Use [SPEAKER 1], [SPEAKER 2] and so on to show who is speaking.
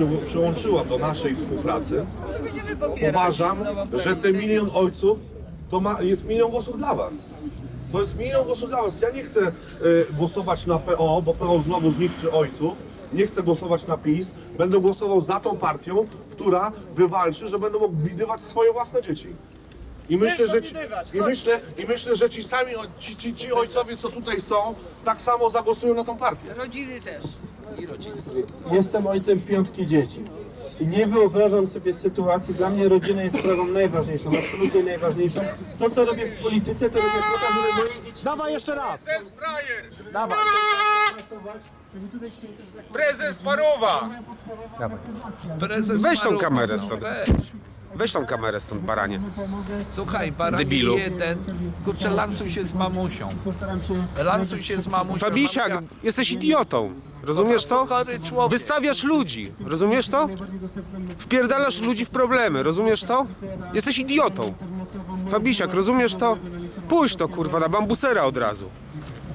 [SPEAKER 1] przyłączyła do naszej współpracy, uważam, że te 1 000 000 ojców jest 1 000 000 głosów dla was. To jest 1 000 000 głosów dla was. Ja nie chcę głosować na PO, bo PO znowu zniszczy ojców. Nie chcę głosować na PiS. Będę głosował za tą partią, która wywalczy, że będą mogli widywać swoje własne dzieci. I myślę, że ci sami ci ojcowie, co tutaj są, tak samo zagłosują na tą partię.
[SPEAKER 2] Rodziny też.
[SPEAKER 3] Jestem ojcem 5 dzieci i nie wyobrażam sobie sytuacji, dla mnie rodzina jest sprawą najważniejszą, absolutnie najważniejszą. To, co robię w polityce, to robię po to, żeby moje dzieci...
[SPEAKER 4] Dawaj jeszcze raz!
[SPEAKER 1] Prezes frajer!
[SPEAKER 4] Dawaj!
[SPEAKER 3] Żeby tutaj chcieli też zakładać...
[SPEAKER 1] Prezes paruwa!
[SPEAKER 5] Prezes
[SPEAKER 4] Weź tą
[SPEAKER 5] Marucha,
[SPEAKER 4] kamerę
[SPEAKER 5] no,
[SPEAKER 4] stąd.
[SPEAKER 5] weź.
[SPEAKER 4] Weź tą kamerę stąd, baranie.
[SPEAKER 5] Słuchaj, baranie
[SPEAKER 4] Debilu.
[SPEAKER 5] jeden, kurczę, lansuj się z mamusią.
[SPEAKER 3] Postaram się...
[SPEAKER 5] Lansuj się z mamusią.
[SPEAKER 4] Fabisiak,
[SPEAKER 5] Mamusia-
[SPEAKER 4] jesteś idiotą. Rozumiesz to?
[SPEAKER 5] Chory człowiek.
[SPEAKER 4] Wystawiasz ludzi. Rozumiesz to? Wpierdalasz ludzi w problemy. Rozumiesz to? Jesteś idiotą. Fabisiak, rozumiesz to? Pójdź to, kurwa, na bambusera od razu.